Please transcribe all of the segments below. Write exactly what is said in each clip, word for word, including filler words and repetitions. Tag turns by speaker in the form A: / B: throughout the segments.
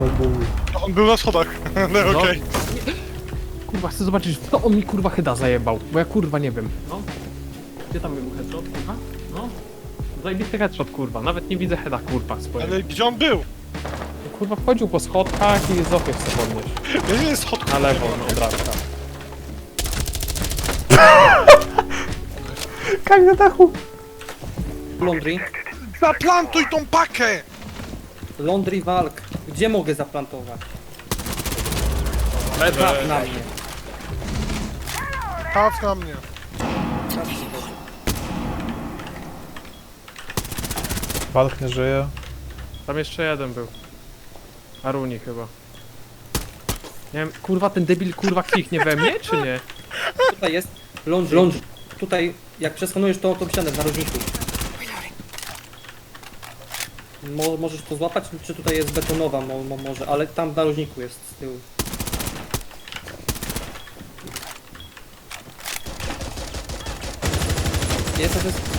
A: On był na schodach, ale
B: No.
A: okej.
B: Kurwa, chcę zobaczyć, kto on mi kurwa heada zajebał, bo ja kurwa nie wiem. No. Gdzie tam był headshot? Aha, no. Zajebisty headshot kurwa, nawet nie widzę heada kurwa swojego.
A: Ale gdzie on był?
B: Kurwa wchodził po schodkach i z okien chce podnieść.
A: Ja nie jest schodku.
B: Na lewo, no od razu tam.
C: Kaj na dachu!
D: Laundry.
A: Zaplantuj tą pakę!
D: Laundry walk. Gdzie mogę zaplantować?
B: Lewo.
D: Traf na mnie.
A: Traf na mnie.
C: Walk nie żyje.
B: Tam jeszcze jeden był. Aruni chyba. Nie wiem, kurwa ten debil kurwa kliknie we mnie, czy nie?
D: Tutaj jest laundry. laundry. Tutaj, jak przeskanujesz to, to ścianę w narożniku. Mo możesz to złapać, czy tutaj jest betonowa mo mo może, ale tam w narożniku jest z tyłu. Jest, to jest...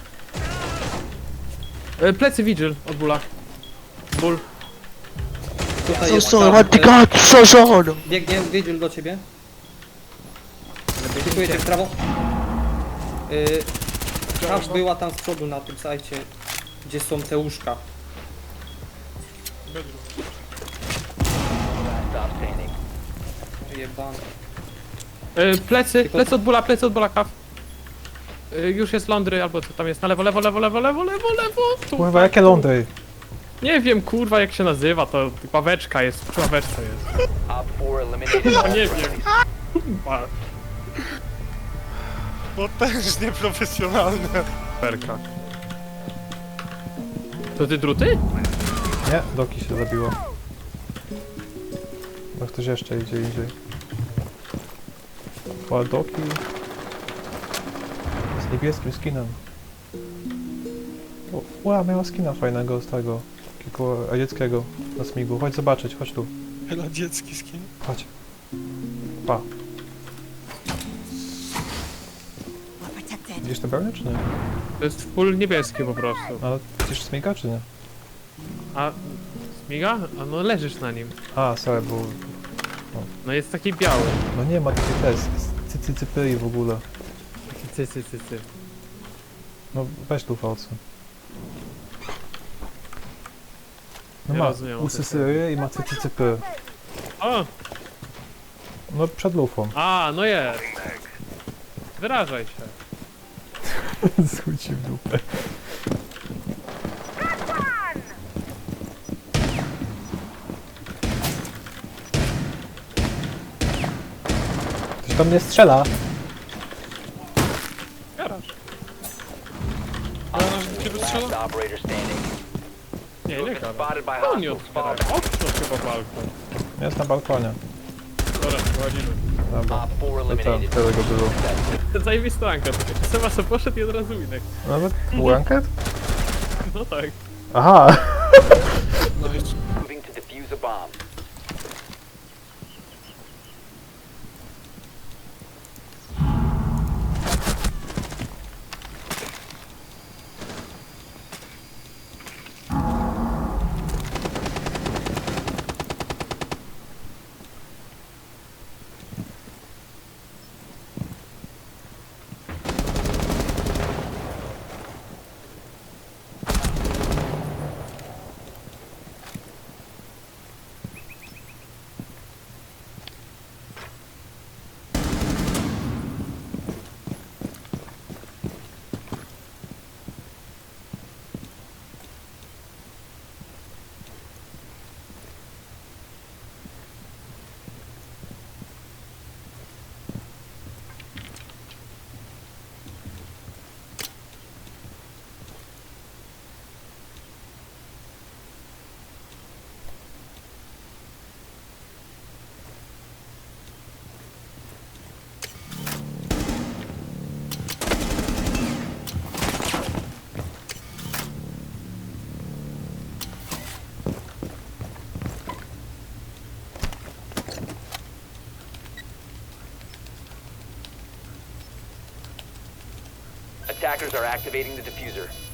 B: E, plecy Vigil od bóla. Ból.
D: Tutaj
E: So
D: jest
E: sorry,
D: tam,
E: what the
D: e,
E: god, so sorry.
D: biegnie, wiedziel do ciebie. Dziękuję cię w prawo. Yy, Crash była tam z przodu na tym sajcie, gdzie są te łóżka. Jebane.
B: E, plecy,
D: Tylko-
B: plecy od bóla, plecy od bóla kaw. E, już jest lądry, albo co tam jest, na lewo, lewo, lewo, lewo, lewo, lewo, lewo. Tu.
C: Kurwa, jakie lądy?
B: Nie wiem kurwa jak się nazywa, to ławeczka jest, przy ławeczce jest. No nie wiem. Kurwa.
A: Potężnie profesjonalne.
B: Perka. To ty druty?
C: Nie, Doki się zabiło. Bo ktoś jeszcze idzie indziej. O, Doki... Z niebieskim skinem. O, ła, miała skina fajnego z tego. Takiego radzieckiego na smigu. Chodź zobaczyć, chodź tu.
A: Chyba dziecki skin.
C: Chodź. Pa. Widzisz te branie, czy nie?
B: To jest full niebieskie po prostu.
C: Ale przecież smiga, czy nie?
B: A śmiga? A no leżysz na nim.
C: A, sorry, bo...
B: No jest taki biały.
C: No nie ma takiej też, cycycypy w ogóle.
B: Taki cy, cy, cy, cy.
C: No weź tu fałce. No
B: Nie
C: ma
B: rozumiem, o co
C: usysyry i ma cycycypy.
B: O!
C: No przed lufą.
B: A, no jest. Wyrażaj się.
C: Zchódź się w dupę. Ktoś tam nie strzela.
B: Garaż.
A: Cię wystrzela?
B: Nie, nie garaż. To nie otwierają. Okno chyba balkon.
C: Jest na balkonie.
B: Dobra, wchodzimy.
C: Dobra. To tam, tyle go było.
B: Zajebista anka. Seba sobie poszedł i od razu winek.
C: Nawet blanket?
B: No tak.
C: Aha!
A: No jeszcze.
F: Moving to defuse a bomb. Attackers are activating the diffuser.